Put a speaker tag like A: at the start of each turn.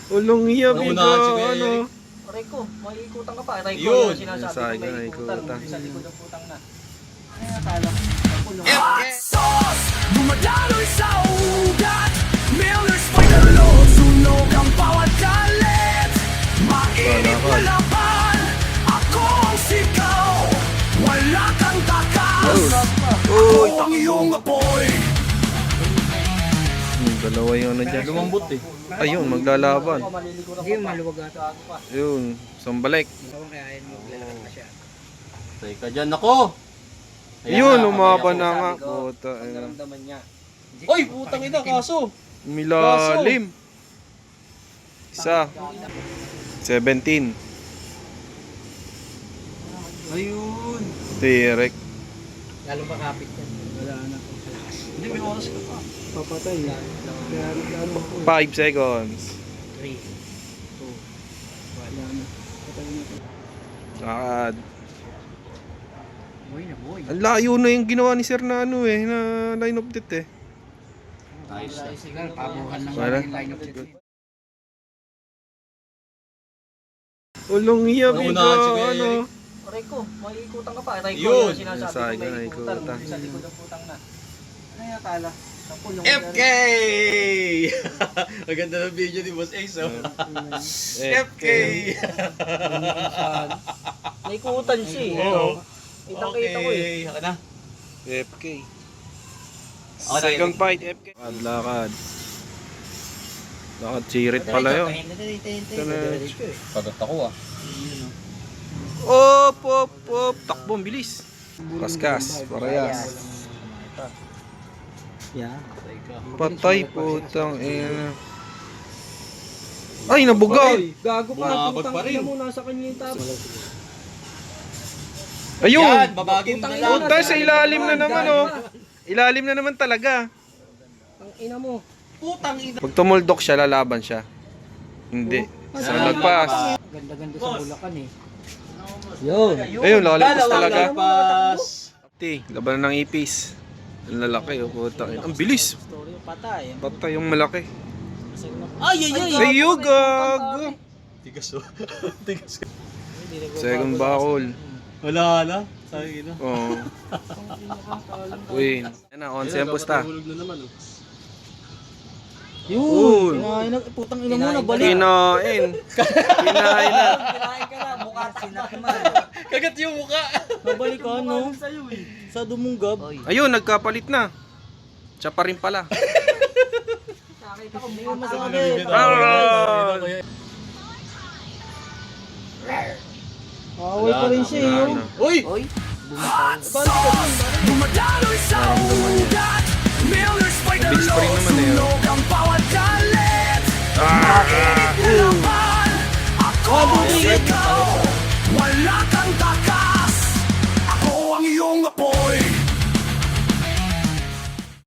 A: Ulong iya, biga,
B: Naunahan si Kuya
A: ano.
B: Eric.
C: Aray ko, maikutan ka pa. Aray ko,
B: Yun.
C: sinasabi
A: Sabi
C: ko
A: ko,
C: maikutan.
A: maikutan.
C: Sa likod ng putang na. Ay, akala. Ako yung...
D: Sos, dumadaloy sa ugat. Miller's fight the load. Sunog ang bawat galit. Mainit na laban. Ako ang sigaw. Wala kang takas.
A: Uy,
D: Ako ang iyong apoy.
A: Dalawa yung ano dyan.
B: Lumambot eh.
A: Ayun, maglalaban.
C: Ako maliligo na
E: Hindi yung maluwag ata.
A: Yun, sambalik.
E: Tawang kaya yun maglalakad pa siya.
B: Teka dyan ako. Ayan
A: Yun,
B: na,
A: umaban
B: ayan
A: na
B: ako.
A: nga.
C: Sabi ko,
A: Puta,
C: ang
A: ayun.
C: naramdaman niya.
B: Oy, putang ina, kaso.
A: Milalim. Isa. 17.
B: Ayun.
A: Direk.
E: Lalong makapit yan. Wala na.
B: Hindi, may oras ka pa.
E: Papatay. Kaya nagano ako.
A: 5 seconds.
E: 3, 2, 1. Patay na ito.
A: Lakad.
E: Boy na boy.
A: Ang layo na yung ginawa ni Sir na ano eh, na line of death eh.
B: Ayos na.
E: Sigal, pabuhan lang
A: Wala.
E: yung line of death.
A: Ulong iya, biga,
B: Naunahan si Kuya
A: ano.
B: Eric.
C: Aray ko, maikutan ka pa. Aray ko,
B: Yun.
C: sinasabi
A: Sabi
C: ko
A: ko,
C: maikutan.
A: maikutan.
C: Sa likod ng putang na. Ay, akala. Ako yung...
B: FK! Ang ganda ng video ni Boss Ace, oh. FK!
C: Maikutan siya eh.
B: Oo.
C: Kitang-kita ko eh.
B: Okay, haka na.
A: FK.
B: Ako na,
A: Second
B: Eric.
A: fight, FK. Lakad. Lakad sirit pala yun.
B: Pagat ako, ah.
A: Op, op, op. Takbo, ang bilis. Kaskas, parehas.
E: Yeah.
A: Patay, putang ina. Ay, nabugaw.
C: Gago ka.
B: Bumabag pa rin.
C: Mo, nasa kanya yung tapos.
A: Ayun.
B: Yan, babagin na lang.
A: Puta, sa ilalim na naman, oh. Ilalim na naman talaga.
C: Ang ina mo.
B: Putang ina.
A: Pag tumuldok siya, lalaban siya. Hindi. Sa lagpas.
E: Ganda-ganda sa Bulacan eh. Yun.
A: Ayun, lalagpas
B: Dalawang
A: talaga.
B: lagpas.
A: Laban ng ipis. Ang lalaki, oh. Putang ina. Ang bilis.
C: Story yung patay.
A: Patay yung malaki.
B: Ay, ay, ay.
A: Ayun, gago.
B: Tigas, oh. Tigas.
A: Second bakol.
B: Wala na. Sabi na.
A: Oo. Win. Yan na, 11 ang pusta.
B: Hulog na naman, oh.
A: Yun.
C: Kinain na, putang ina mo, nabalik.
A: Kinain. Kinain na.
C: Kinain ka na, mukha sinakman.
B: Kagat yung mukha.
C: Nabalik ka, no? Sa dumunggab.
A: Ayun, nagkapalit na. Siya pa rin pala.
C: Nakita ko, may masakit. Away pa rin siya,
A: Wala
C: yun.
A: na.
B: Uy!
D: Dumadaloy sa ugat. Miller's fight the
A: Bilis pa rin
D: load.
A: naman eh, oh.
D: Sunog